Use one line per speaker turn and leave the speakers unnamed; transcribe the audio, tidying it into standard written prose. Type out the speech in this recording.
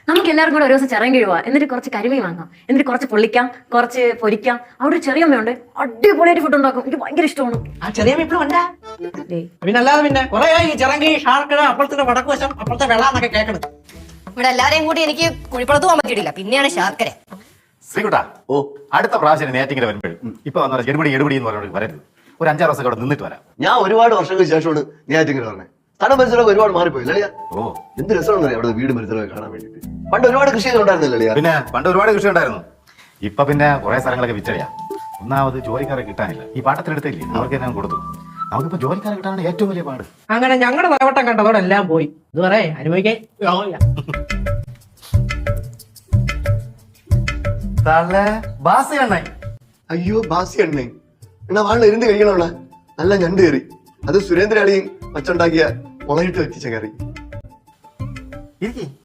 നമുക്ക് എല്ലാവർക്കും കൂടെ ഒരു ദിവസം ചിറങ്ങി പോവാം, എന്നിട്ട് കുറച്ച് കരിമീൻ വാങ്ങാം, എന്നിട്ട് കുറച്ച് പൊള്ളിക്കാം, കുറച്ച് പൊരിക്കാം. അവിടെ ഒരു ചെറിയമ്മയുണ്ട്, അടിപൊളിയായിട്ട് ഫുഡ് ഉണ്ടാക്കും, എനിക്ക് ഭയങ്കര ഇഷ്ടമാണ്.
ആ ചെറിയമ്മ ഇപ്പഴും ഉണ്ടാ പിന്നെ അല്ലാതെ പിന്നെ കുറെ ഈ ചിറങ്കി ഷാർക്കട അപ്പുറത്തെ വടക്ക് വശം അപ്പുറത്തെ വെള്ളാന്നൊക്കെ കേൾക്കണത്.
ഇവിടെ എല്ലാരെയും കൂടി എനിക്ക് കുഴിപ്പുറത്ത് പോകാൻ പറ്റിയിട്ടില്ല, പിന്നെയാണ് ശാർക്കര.
ശ്രീകുട്ടാ, അടുത്ത പ്രാവശ്യം നേറ്റിങ്ങനെ വരുമ്പോഴും ഇപ്പൊ വന്നാൽ എടുപടി എന്ന് പറഞ്ഞോട് വരരുത്. ഒരു 5-6 ദിവസം അവിടെ നിന്നിട്ട് വരാം.
ഞാൻ ഒരുപാട് വർഷങ്ങൾക്ക് ശേഷമാണ് നേറ്റിങ്ങനെ പറഞ്ഞത്. തടം പരിസരമൊക്കെ ഒരുപാട് മാറിപ്പോയില്ലേ?
ഓ,
എന്ത് രസമാണെന്നറിയാം അവിടെ വീട് പരിസരമൊക്കെ കാണാൻ വേണ്ടിട്ട്. പണ്ട് ഒരുപാട് കൃഷി ഉണ്ടായിരുന്നില്ലേ?
പിന്നെ പണ്ട് ഒരുപാട് കൃഷി ഉണ്ടായിരുന്നു. ഇപ്പൊ പിന്നെ കുറെ സ്ഥലങ്ങളൊക്കെ വിറ്റഴിയാ. ഒന്നാമത് ജോലിക്കാരെ കിട്ടാനില്ല. ഈ പാട്ടത്തിനെടുത്തില്ലേ, അവർക്ക് തന്നെ കൊടുത്തു. നമുക്കിപ്പോ ജോലിക്കാരെ കിട്ടാനാണ് ഏറ്റവും വലിയ പാട്.
അങ്ങനെ ഞങ്ങളുടെ തലവട്ടം കണ്ടതോടെ എല്ലാം പോയി. ഇത് പറയാ അനുഭവിക്കാൻ യോഗമില്ല.
അയ്യോ ബാസി എണ്ണേ എന്നാ വാളിൽ ഇരുന്ന് കഴിക്കണോള. നല്ല ഞണ്ട് കയറി, അത് സുരേന്ദ്ര അളിയും വച്ചുണ്ടാക്കിയ മുളയിട്ട് വെച്ചിച്ച കറി.